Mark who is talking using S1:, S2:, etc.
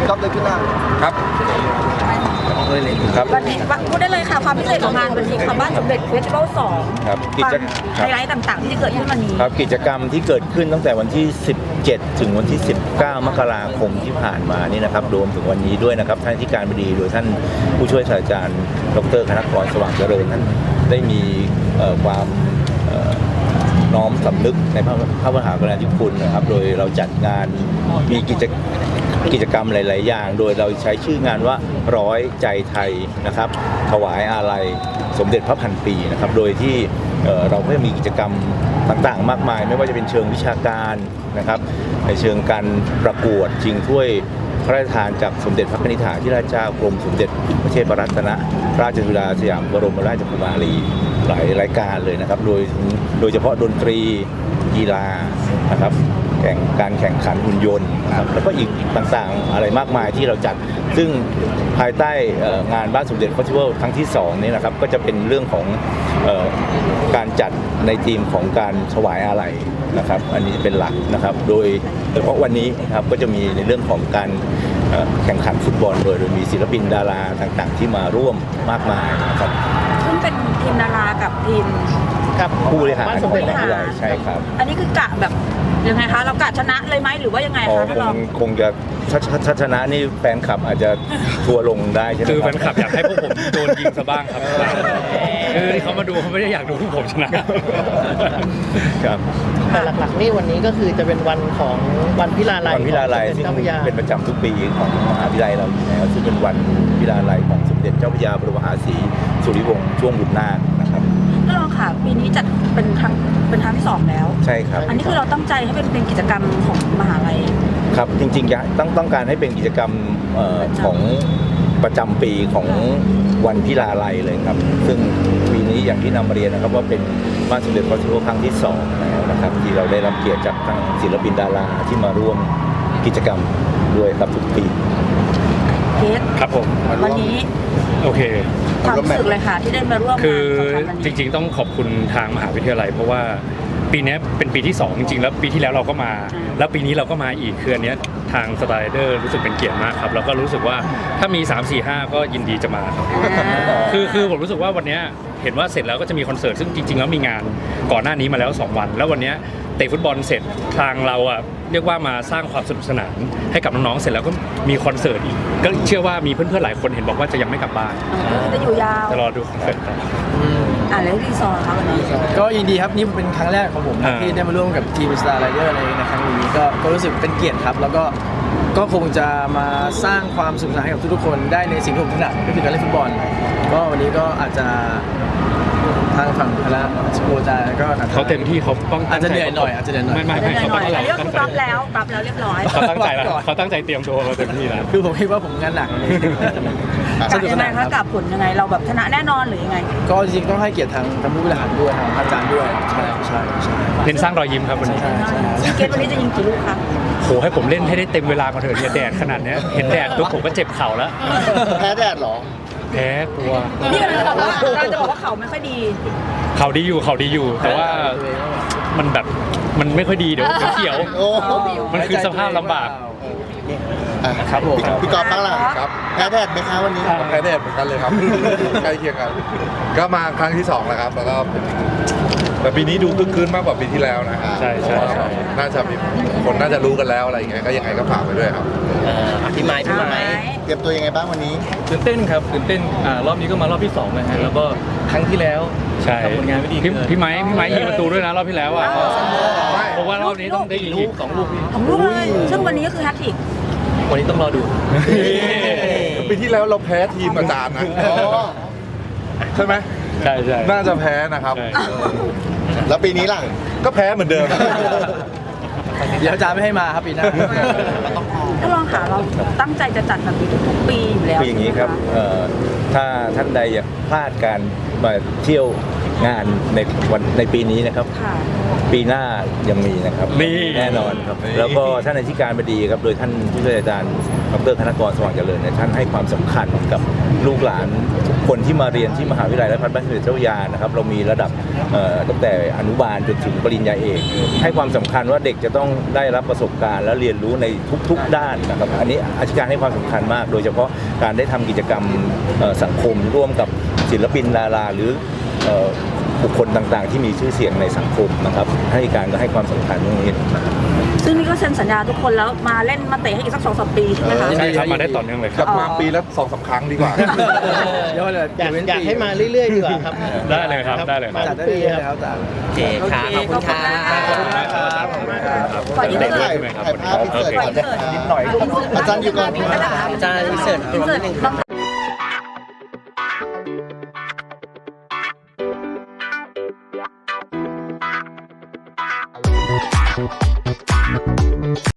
S1: ก๊อฟเลยขึ้นหน้า
S2: ครับ
S3: ครับวันนี้พูดได้เลยค่ะความพิเศษของงานวันนี้ค่ะบ้านสมเด็จเฟสติวัล2
S2: ครับ
S3: ไฮไลท์ต่างๆที่จะเกิดขึ้นวันนี้
S2: ครับกิจกรรมที่เกิดขึ้นตั้งแต่วันที่ 17 ถึงวันที่ 19 มกราคมที่ผ่านมานี่นะครับรวมถึงวันนี้ด้วยนะครับท่านที่การบดีโดยท่านผู้ช่วยศาสตราจารย์ดร.คณกรสว่างเจริญท่านได้มีความน้อมสำนึกในพระมหากรุณาธิคุณนะครับโดยเราจัดงานมีกิจกรรมหลายๆอย่างโดยเราใช้ชื่องานว่าร้อยใจไทยนะครับถวายอาลัยสมเด็จพระพันปีนะครับโดยที่เราก็จะมีกิจกรรมต่างๆมากมายไม่ว่าจะเป็นเชิงวิชาการนะครับในเชิงการประกวดชิงถ้วยพระราชทานจากสมเด็จพระนิธิถาธิราชเจ้ากรมสมเด็จพระเทพรัตนราชสุดาสยามบรมราชกุมารีหลายรายการเลยนะครับโดยเฉพาะดนตรีกีฬานะครับการแข่งขันหุ่นยนต์นะครับแล้วก็อีกต่างๆอะไรมากมายที่เราจัดซึ่งภายใต้งานบ้านสมเด็จเฟสติวัลครั้งที่2นี้นะครับก็จะเป็นเรื่องของการจัดในธีมของการถวายอาลัยนะครับอันนี้เป็นหลักนะครับโดยเฉพาะวันนี้ครับก็จะมีในเรื่องของการแข่งขันฟุตบอลโดยมีศิลปินดาราต่างๆที่มาร่วมมากมายนะครับ
S3: ซึ่งเป็นทีมดารากับทีม
S2: กับผู้บริหารใช่ครับ
S3: อันนี้คือกะแบบยังไงคะเรากะชนะเลยไหมหรือว่ายังไงคะท่านรอง
S2: คงจะถ้าชนะนี่แฟนคลับอาจจะทัวลงได้ใช่ไหม
S4: คือแฟนคลับอยากให้พวกผมโดนยิงซะบ้างครับคือที่เขามาดูเขาไม่ได้อยากดูพวกผมชนะครับ
S5: แต่หลักๆนี่วันนี้ก็คือจะเป็นวันของวันพิลาลัย
S2: ซึ่งเป็นประจำทุกปีของมหาวิทยาลัยเราอยู่แล้วซึ่งเป็นวันพิลาลัยของสมเด็จเจ้าพระยาบรมมหาศรีสุริวงศ์ช่วงบุตรนาคนะครับ
S3: ท่านรองค่ะปีนี้จัดเป็นครั้งที่2แล้ว
S2: ใช่ครับ
S3: อันนี้คือเราตั้งใจให้เป็นกิจกรรมของมหาลัย
S2: ครับจริงๆต้องการให้เป็นกิจกรรมของประจำปีของวันพิลาลัยเลยครับซึ่งปีนี้อย่างที่นำมาเรียนนะครับว่าเป็นบ้านสมเด็จพระเทพครั้งที่2แล้วนะครับที่เราได้รับเกียรติจากทางศิลปินดาราที่มาร่วมกิจกรรมด้วยครับทุกปี
S4: ครับผม
S3: วันนี้
S4: โอเค
S3: ความรู้สึกเลยค่ะที่ได้มาร่วม
S4: คือจริงๆต้องขอบคุณทางมหาวิทยาลัยเพราะว่าปีนี้เป็นปีที่2จริงๆแล้วปีที่แล้วเราก็มาแล้วปีนี้เราก็มาอีกคืออันนี้ทางสไตล์เดอร์รู้สึกเป็นเกียรติมากครับแล้วก็รู้สึกว่าถ้ามี3 4 5ก็ยินดีจะมาครับคือผมรู้สึกว่าวันนี้เห็นว่าเสร็จแล้วก็จะมีคอนเสิร์ตซึ่งจริงๆแล้วมีงานก่อนหน้านี้มาแล้ว2วันแล้ววันนี้เตะฟุตบอลเสร็จทางเราอ่ะเรียกว่ามาสร้างความสนุกสนานให้กับน้องๆเสร็จแล้วก็มีคอนเสิร์ตอีกก็เชื่อว่ามีเพื่อนๆหลายคนเห็นบอกว่าจะยังไม่กลับบ้าน
S3: จะอยู่ยาว
S4: จะรอดูคอนเสิร์ตต่อ
S3: แล้วรีซอร์ครับวันนี้
S5: ก็ยินดีครับนี่เป็นครั้งแรกของผมที่ได้มาร่วมกับทีม Star Rider ในครั้งนี้ก็รู้สึกเป็นเกียรติครับแล้วก็คงจะมาสร้างความสนุกสนานให้กับทุกๆคนได้ในสิ่งที่ผมถนัดก็คือการเล่นฟุตบอลก็วันนี้ก็อาจจะทางฝั่งคณะสโมสรก็
S4: เขาเต็มที่เขาต้อง
S5: อาจจะเหนื่อยหน่อย
S4: ไม่เขาตั้งใจ
S3: ก็คือปรับแล้วเรียบร้อย
S4: เขาตั้งใจแล้วเขาตั้งใจเตรียมตัวมาเต็มที่แล้ว
S5: คือผมคิดว่าผมงานหนัก
S3: สนุกสนานคะกับผลยังไงเราแบบชนะแน่นอนหรือยังไง
S5: ก็จริงๆต้องให้เกียรติทางผู้บริหารด้วยทางอาจารย์ด้วยใช่
S4: เน้นสร้างรอยยิ้มครับวันนี้
S3: เกมวันนี้จะยิงกี่ลูกครับ
S4: โหให้ผมเล่นให้ได้เต็มเวลาก่อนเถอะเนี่ยแดดขนาดนี้เห็นแดดปุ๊บผมก็เจ็บเข่าแล้ว
S1: แพ้แดดหรอ
S4: แพ้กลัว
S3: นี่เราจะบอกว่าเขาไม่ค่อยดี
S4: เขาดีอยู่แต่ว่ามันแบบมันไม่ค่อยดีเดี๋ยวเขียวมันคือสภาพลำบาก
S1: ครับผมพี่กอล์ฟบ้างล่ะครับแพ้แดดไหมคะวันนี้
S2: แพ้แดดเหมือนกันเลยครับใกล้เคียงกันก็มาครั้งที่2แล้วครับแล้วก็แต่ปีนี้ดูคึกคืนมากกว่าปีที่แล้วนะ
S4: ใช่
S2: น่าจะมีคนน่าจะรู้กันแล้วอะไรอย่างเงี้ยก็ยังไงก็ฝากไปด้วยครับ
S1: พี่ไม้เตรียมตัวยังไงบ้างวันนี้
S5: ตื่นเต้นครับตื่นเต้นรอบนี้ก็มารอบที่2นะฮะแล้วก็ครั้งที่แล้วทำผลงานไม่ดี
S4: พี่ไม้ยิงประตูด้วยนะรอบที่แล้วอ่ะเพราะว่ารอบนี้ต้องได้ยิงอีก
S3: 2 ลูกเลยซึ่งวันนี้ก็คือแฮตทริก
S5: วันนี้ต้องรอดู
S2: ปีที่แล้วเราแพ้ทีมอาจารย์นะใช่ไหม
S4: ใช่
S2: น่าจะแพ้นะครับ
S1: แล้วปีนี้ล่ะ
S2: ก็แพ้เหมือนเดิม
S5: เดี๋ยวอาจารย์ไม่ให้มาครับปีหน้า
S3: ถ้าลองหาเราตั้งใจจะจัดแบบนี้ทุกปีอยู่แล้ว
S2: คืออย่างนี้ครับถ้าท่านใดอยากพลาดการมาเที่ยวงานในปีนี้นะครับ
S3: ค่ะ
S2: ปีหน้ายังมีนะครับ
S4: นี่
S2: แน่นอนครับแล้วก็ท่านอธิการบดีครับโดยท่านผู้ช่วยอาจารย์ดรคณกรสว่างเจริญเนี่ยท่านให้ความสำคัญกับลูกหลานทุกคนที่มาเรียนที่มหาวิทยาลัยราชภัฏบ้านสมเด็จเจ้าพระยานะครับเรามีระดับตั้งแต่อนุบาลจนถึงปริญญาเอกให้ความสำคัญว่าเด็กจะต้องได้รับประสบการณ์และเรียนรู้ในทุกๆด้านนะครับอันนี้อธิการให้ความสำคัญมาก โดยเฉพาะการได้ทำกิจกรรมสังคมร่วมกับศิลปินดาราหรือบุคคลต่างๆ ที่มีชื่อเสียงในสังคมนะครับให้การก็ให้ความสำคัญตรงนี้นะครับ
S3: ซึ่งนี่ก็เซ็นสัญญาทุกคนแล้วมาเล่นมาเตะให้อีกสัก2-3 ปีใช่ไหมคะ
S4: ใช่ครับมาได้ต่อเนื่องเลยค
S6: ก
S4: รั
S6: ลั
S4: บบ
S6: มาปีละ2-3 ครั้งดีกว่า
S5: เดี๋ยวเลย
S1: อยากให้มาเรื่อยๆดีกว่าครับ
S4: ได้เลยครับได้เลยครับ
S5: จัดได้เลยนะครับจัด
S7: โอเคค่ะขอบคุณค่ะ
S3: ขอบคุณมากค่ะ
S1: ขอบคุณมากครับ
S3: ขอยืน
S1: ถ่าย
S3: หน่อย
S1: ถ่ายภาพพิเศษก่อนนะครับอาจารย์อยู่ก่อน
S3: อาจารย์
S7: อาจารย์อินเสิร์ต
S3: อินเสิร์ต